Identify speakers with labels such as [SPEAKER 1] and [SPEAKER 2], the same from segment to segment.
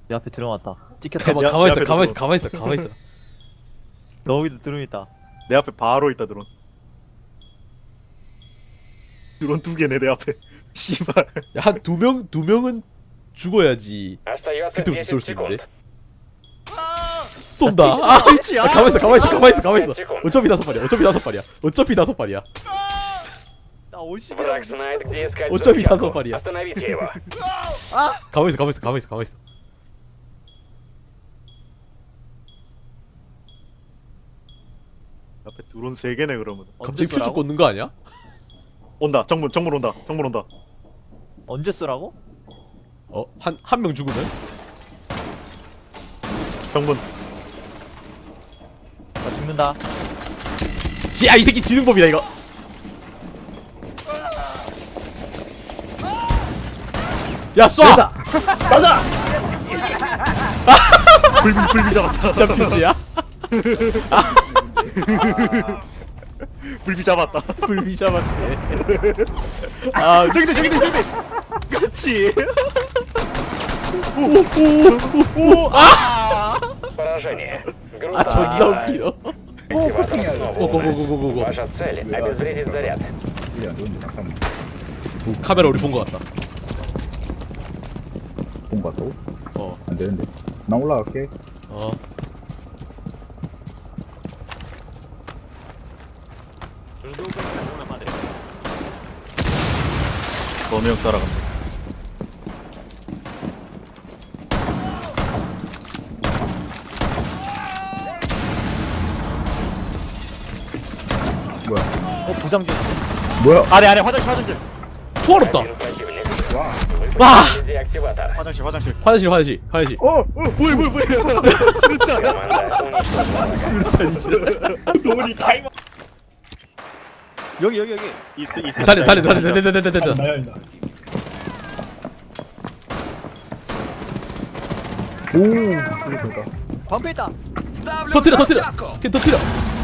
[SPEAKER 1] 내 앞에 드럼 왔다. 찍혔다.
[SPEAKER 2] 가만있어.
[SPEAKER 1] 너기도 드럼 있다.
[SPEAKER 3] 내 앞에 바로 있다 드론. 드론 두 개네 내 앞에. 씨발.
[SPEAKER 2] 야, 한 두 명은 죽어야지
[SPEAKER 4] Остается
[SPEAKER 2] 그때부터
[SPEAKER 4] 10
[SPEAKER 2] 쏠 수 있는데.
[SPEAKER 4] секунд.
[SPEAKER 2] 쏜다. 아,
[SPEAKER 3] 트위치야.
[SPEAKER 2] 가만있어. 어차피 다섯 발이야.
[SPEAKER 1] 나 올시기.
[SPEAKER 4] Враг знает, где искать
[SPEAKER 2] 어차피
[SPEAKER 4] взрывчатку.
[SPEAKER 2] 다섯 발이야.
[SPEAKER 4] Остановите его.
[SPEAKER 2] 가만있어.
[SPEAKER 3] 앞에 드론 세 개네 그러면.
[SPEAKER 2] 갑자기 표적 꽂는 거 아니야?
[SPEAKER 3] 온다. 정문 온다.
[SPEAKER 1] 언제 쏘라고?
[SPEAKER 2] 한 명 죽으면?
[SPEAKER 3] 정문.
[SPEAKER 1] 나 죽는다.
[SPEAKER 2] 야, 이 새끼 지능법이다 이거. 야, 쏴!
[SPEAKER 3] 불비 잡았다.
[SPEAKER 2] 진짜 표지야?
[SPEAKER 3] 불비 잡았다.
[SPEAKER 2] 불비 잡았네. 아,
[SPEAKER 3] 저기다. 그렇지.
[SPEAKER 4] Поражение. Грузовик
[SPEAKER 2] 아, 존나 웃기다.
[SPEAKER 4] активатор снова умер.
[SPEAKER 2] 고고고고고고.
[SPEAKER 4] Ваша цель — обезвредить заряд.
[SPEAKER 2] 카메라 우리 본 거 같다.
[SPEAKER 5] 본 거 같다고?
[SPEAKER 2] 어.
[SPEAKER 5] 안 되는데. 나 올라갈게.
[SPEAKER 3] 범영 따라간다.
[SPEAKER 5] 뭐야?
[SPEAKER 1] 부장전.
[SPEAKER 5] 뭐야?
[SPEAKER 3] 안에 화장실.
[SPEAKER 2] 초월없다.
[SPEAKER 4] Один противник. Вы
[SPEAKER 2] 와!
[SPEAKER 4] поставили деактиватор.
[SPEAKER 3] 화장실.
[SPEAKER 2] 화장실.
[SPEAKER 3] 뭐야.
[SPEAKER 4] Команда уничтожена.
[SPEAKER 3] 돈이 타이머.
[SPEAKER 1] 여기.
[SPEAKER 3] 이스트.
[SPEAKER 2] 달려.
[SPEAKER 5] 오, 그러니까.
[SPEAKER 1] 방패 있다.
[SPEAKER 2] 터트려. 스캔 터트려.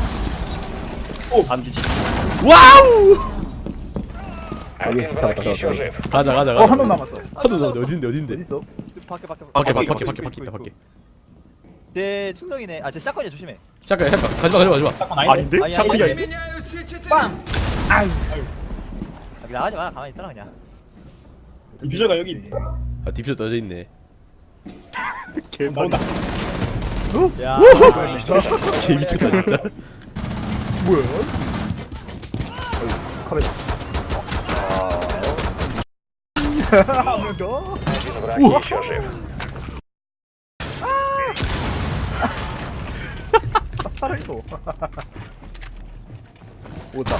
[SPEAKER 3] 안 뒤지.
[SPEAKER 2] 와우!
[SPEAKER 4] Один враг еще жив.
[SPEAKER 2] 가자.
[SPEAKER 5] 한 명 남았어.
[SPEAKER 2] 하도 나온데 어딘데?
[SPEAKER 5] 어디 있어?
[SPEAKER 2] 밖에.
[SPEAKER 1] 내 충동이네. 아, 제 샷건이야. 조심해.
[SPEAKER 2] 잠깐. 가지마.
[SPEAKER 3] 아닌데?
[SPEAKER 1] 아니,
[SPEAKER 3] 샤프가
[SPEAKER 1] 아니.
[SPEAKER 3] 아닌데?
[SPEAKER 1] 빵. 나가지 마라. 가만히 있어라 그냥.
[SPEAKER 6] 비저가 여기 있네.
[SPEAKER 2] 아, 디퓨저 떠져 있네.
[SPEAKER 3] 개만.
[SPEAKER 1] 야.
[SPEAKER 2] 개 미쳤다 진짜.
[SPEAKER 5] 뭐야? 카메라. 한명 더?
[SPEAKER 4] Один враг еще жив.
[SPEAKER 5] 살아있어. 오다.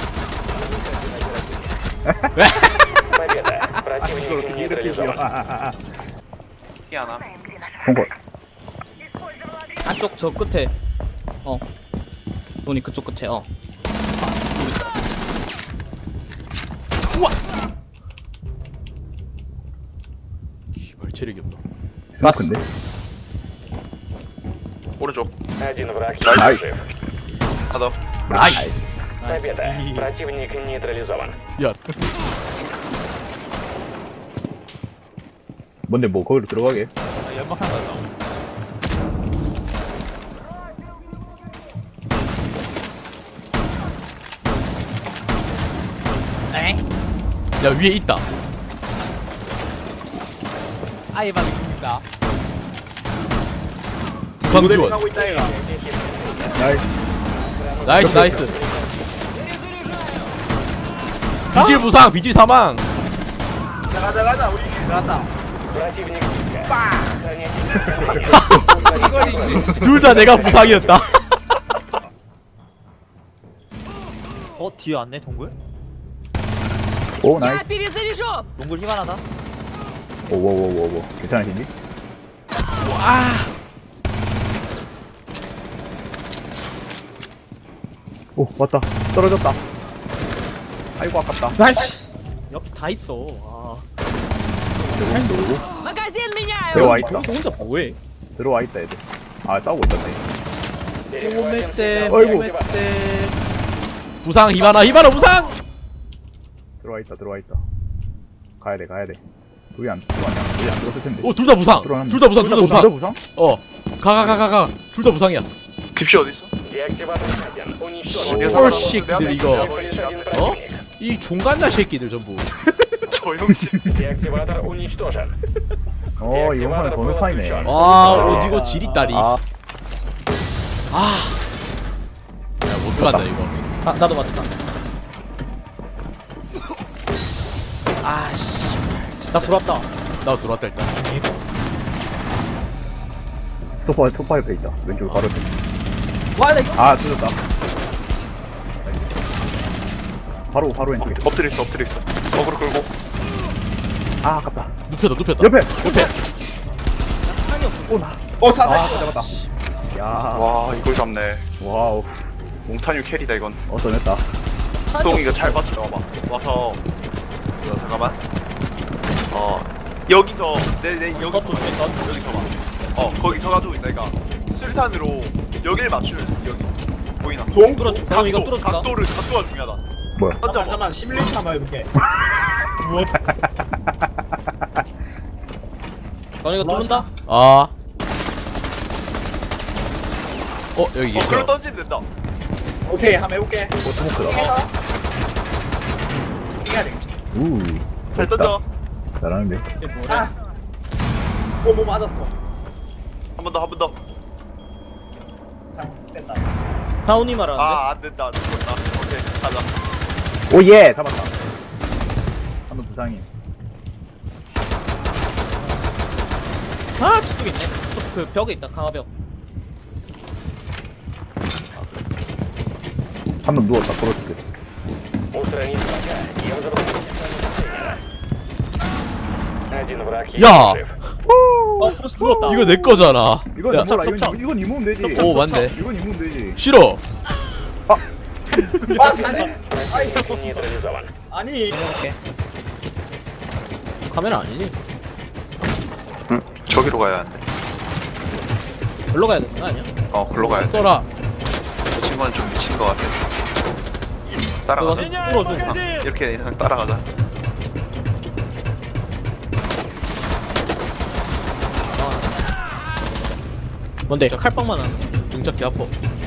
[SPEAKER 4] Победа. Противник нейтрализован.
[SPEAKER 5] 본거.
[SPEAKER 7] 안쪽 저 끝에 돈이 그쪽 끝에
[SPEAKER 2] 씨발 체력이 없나?
[SPEAKER 5] 스모크인데?
[SPEAKER 3] 오른쪽.
[SPEAKER 4] Один враг еще
[SPEAKER 5] 나이스.
[SPEAKER 4] жив.
[SPEAKER 2] 나이스.
[SPEAKER 4] Победа. Противник нейтрализован.
[SPEAKER 2] 야,
[SPEAKER 5] 뭔데 뭐 거기로 들어가게?
[SPEAKER 1] 연막한 거다.
[SPEAKER 2] 야 위에 있다.
[SPEAKER 1] 아이바입니다.
[SPEAKER 2] 부상 지원.
[SPEAKER 3] 하고 있다 얘가.
[SPEAKER 5] 나이스.
[SPEAKER 2] 나이스. 비질 부상, 비질 사망.
[SPEAKER 3] 가자 우리.
[SPEAKER 4] Противник.
[SPEAKER 2] 둘 다 내가 부상이었다.
[SPEAKER 1] 뒤에 왔네 동굴?
[SPEAKER 5] 오 나이스.
[SPEAKER 1] 동굴 희망하다.
[SPEAKER 5] 오오오오오. 괜찮으신지? 오 왔다. 떨어졌다. 아이고 아깝다.
[SPEAKER 7] 나이스 여기 다 있어
[SPEAKER 5] 들어와 있다.
[SPEAKER 7] 혼자 뭐해
[SPEAKER 5] 들어와 있다 애들. 아 싸우고 있었네.
[SPEAKER 4] Перехватим
[SPEAKER 5] Ой,
[SPEAKER 4] деактиватор.
[SPEAKER 2] 부상 히바나 부상.
[SPEAKER 5] 들어와 있다. 가야 돼. 여기 안 들었을 텐데.
[SPEAKER 2] 둘 다 부상.
[SPEAKER 5] 들어갔네.
[SPEAKER 2] 둘 다 부상. 둘 다 부상.
[SPEAKER 5] 부상?
[SPEAKER 2] 가. 둘 다 부상이야.
[SPEAKER 3] 딥시 어디 있어?
[SPEAKER 4] Деактиватор найден. Уничтожен.
[SPEAKER 2] 올 새끼들 이거.
[SPEAKER 4] Всего лишь один
[SPEAKER 2] 어?
[SPEAKER 4] противник.
[SPEAKER 2] 이 종갓나 새끼들 전부.
[SPEAKER 3] 조용히.
[SPEAKER 4] Деактиватор уничтожен.
[SPEAKER 5] 이번판은 번호판이네.
[SPEAKER 2] 오지고 지리다리.
[SPEAKER 5] 아,
[SPEAKER 2] 야, 못 들어간다 이거.
[SPEAKER 7] 아 나도 맞다.
[SPEAKER 2] 아씨.
[SPEAKER 7] 나 들어왔다.
[SPEAKER 2] 나 들어왔다 일단.
[SPEAKER 5] 소파 옆에 있다. 왼쪽 바로 옆에.
[SPEAKER 7] 와나 이거.
[SPEAKER 5] 아, 뜯었다. 바로 왼쪽에.
[SPEAKER 3] 엎드려 있어. 어그로 끌고.
[SPEAKER 5] 아, 아깝다.
[SPEAKER 2] 눕혔다.
[SPEAKER 5] 옆에.
[SPEAKER 6] 사살.
[SPEAKER 5] 아, 잡았다. 야,
[SPEAKER 3] 와 이걸 잡네.
[SPEAKER 5] 와우.
[SPEAKER 3] 몽타뉴 캐리다 이건.
[SPEAKER 5] 떠냈다.
[SPEAKER 3] 똥이가 잘 받쳐 와봐. 와서. 이거 잠깐만. 여기서 내 여기 여기서 봐. 거기 서가지고 있다 이가. 술탄으로 여길 맞추면 여기 보이나?
[SPEAKER 6] 동?
[SPEAKER 7] 형 이거 뚫어준다.
[SPEAKER 3] 각도가 중요하다.
[SPEAKER 5] 뭐야?
[SPEAKER 6] 잠깐만 시뮬레이션 한번 해볼게.
[SPEAKER 7] 형 이거 뚫는다.
[SPEAKER 2] 아. 여기
[SPEAKER 3] 글로
[SPEAKER 2] 계셔.
[SPEAKER 3] 던지면 된다.
[SPEAKER 6] 오케이 한번 해볼게.
[SPEAKER 5] 스모크다.
[SPEAKER 6] 해야 되겠지.
[SPEAKER 3] 잘 던져.
[SPEAKER 5] 잘하는데.
[SPEAKER 7] 이게 뭐야?
[SPEAKER 6] 아. 뭐 맞았어.
[SPEAKER 3] 한 번 더.
[SPEAKER 6] 됐다.
[SPEAKER 7] 다운이 말하는데.
[SPEAKER 3] 안 된다. 오케이 가자.
[SPEAKER 5] 오, 예! 잡았다. 한번 부상이.
[SPEAKER 7] 아 저쪽에 있네. 그 벽에 있다. 강화벽.
[SPEAKER 5] 한번 누웠다. 크로스.
[SPEAKER 4] Устранить врага. Я уже Один враг есть
[SPEAKER 2] 야!
[SPEAKER 4] жив.
[SPEAKER 7] 크로스 눌렀다.
[SPEAKER 2] 이거 내 거잖아.
[SPEAKER 5] 이건
[SPEAKER 2] 야,
[SPEAKER 5] 몰라.
[SPEAKER 7] 첩.
[SPEAKER 5] 이건 이모면 되지.
[SPEAKER 2] 오, 맞네.
[SPEAKER 5] 이건 이모면 되지.
[SPEAKER 2] 싫어.
[SPEAKER 6] 사살.
[SPEAKER 4] Противник нейтрализован.
[SPEAKER 6] 아니.
[SPEAKER 7] 카메라 아니지?
[SPEAKER 3] 응. 저기로 가야 한대.
[SPEAKER 7] 별로 가야 되는 거 아니야?
[SPEAKER 3] 글로 가야 돼.
[SPEAKER 2] 써라.
[SPEAKER 3] 저 친구는 좀 미친 것 같아.
[SPEAKER 7] 그거
[SPEAKER 3] 따라가자.
[SPEAKER 7] 뚫어줘.
[SPEAKER 3] 이렇게 그냥 따라가자.
[SPEAKER 7] 뭔데? 칼빵만 하는.
[SPEAKER 2] 등짝 개 아파.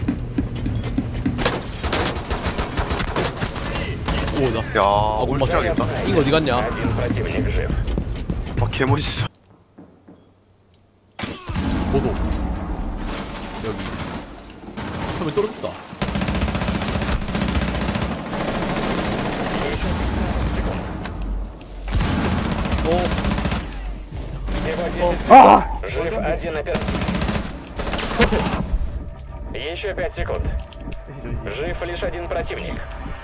[SPEAKER 2] 오, 나.
[SPEAKER 3] 야,
[SPEAKER 2] 못 맞춰.
[SPEAKER 3] 올라가겠다.
[SPEAKER 2] 이거 어디 갔냐?
[SPEAKER 4] Один противник жив.
[SPEAKER 3] 개멋있어.
[SPEAKER 2] 보도. 여기. 처음에 떨어졌다.
[SPEAKER 5] 아!
[SPEAKER 4] Жив один оперативник. Еще 5 секунд. Жив лишь один противник.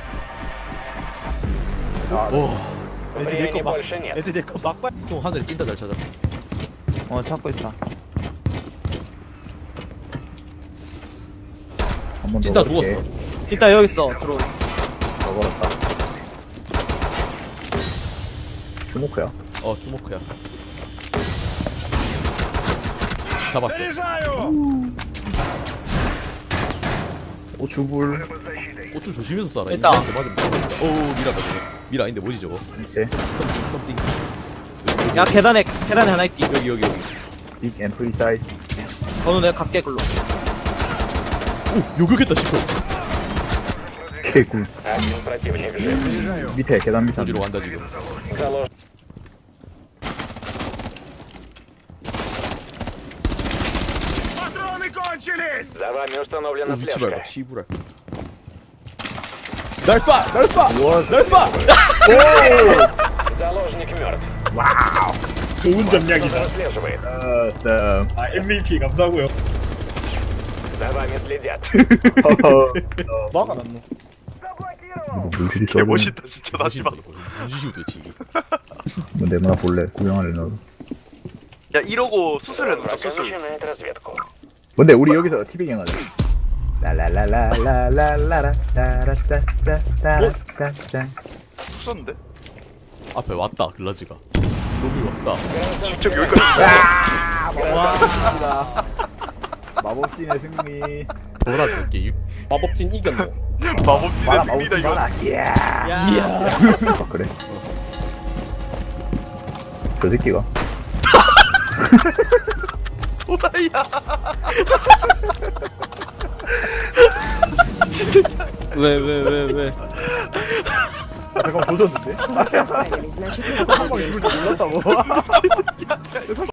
[SPEAKER 2] 오.
[SPEAKER 4] Времени больше нет.
[SPEAKER 1] 애들 내거 막발.
[SPEAKER 2] 송 하늘에 찐따 잘 찾아.
[SPEAKER 1] 찾고 있다.
[SPEAKER 5] 한번
[SPEAKER 2] 찐따 죽었어.
[SPEAKER 1] 찐따 여기 있어. 들어.
[SPEAKER 5] 넣어버렸다. 스모크야.
[SPEAKER 2] 스모크야. 잡았어.
[SPEAKER 5] 오, 주불.
[SPEAKER 2] 고추 조심해서 쏴라.
[SPEAKER 1] 됐다.
[SPEAKER 2] 미라다 저거. 미라 아닌데 뭐지 저거?
[SPEAKER 5] 밑에.
[SPEAKER 2] 썸띵.
[SPEAKER 1] 야 계단에 하나 있디.
[SPEAKER 2] 여기.
[SPEAKER 5] 빅 앰플리 사이즈.
[SPEAKER 1] 너는 내가 갈게 글로.
[SPEAKER 2] 오, 요격했다 싶어.
[SPEAKER 5] 개꿀.
[SPEAKER 4] Один противник жив.
[SPEAKER 5] 밑에 계단 밑에.
[SPEAKER 2] 조지로 간다 지금.
[SPEAKER 4] Залож... За вами установлена
[SPEAKER 2] 오, 위치
[SPEAKER 4] слежка.
[SPEAKER 2] 밟아. 시부랄. 날 쏴!
[SPEAKER 5] 우와.
[SPEAKER 2] 날 쏴!
[SPEAKER 4] Заложник мертв.
[SPEAKER 6] 좋은 전략이다.
[SPEAKER 4] Прослеживает.
[SPEAKER 6] 아 MVP 감사하고요.
[SPEAKER 4] За вами следят.
[SPEAKER 7] 막아놨노.
[SPEAKER 5] 물질이 써.
[SPEAKER 3] 개멋있다 진짜 나지마.
[SPEAKER 2] 문지시우 되지 이게.
[SPEAKER 5] 뭐 내문화 볼래? 구경할래 너도.
[SPEAKER 3] 야 이러고 수술해놓자
[SPEAKER 4] Враг
[SPEAKER 3] 수술.
[SPEAKER 4] начинает разведку.
[SPEAKER 5] 근데 우리 여기서 티빙 하자. 라라라라라라라라 따라짜짜짜짜짜.
[SPEAKER 3] 수술인데?
[SPEAKER 2] 앞에 왔다 글라즈가. 놈이 왔다.
[SPEAKER 3] 직접 여기까지.
[SPEAKER 5] 마법진의 승리.
[SPEAKER 2] 돌아도 게임.
[SPEAKER 7] 마법진 이겼노.
[SPEAKER 3] 마법진의
[SPEAKER 5] 마라
[SPEAKER 3] 승리다
[SPEAKER 5] 마법진
[SPEAKER 3] 이거.
[SPEAKER 5] 마라. 이야.
[SPEAKER 1] 야.
[SPEAKER 5] 그래. 저 새끼가.
[SPEAKER 3] 호라이야.
[SPEAKER 7] 왜?
[SPEAKER 5] 아, 잠깐만 조졌는데?
[SPEAKER 8] Вы справились, значит, мы
[SPEAKER 5] 한 방에 죽을 줄 몰랐다고.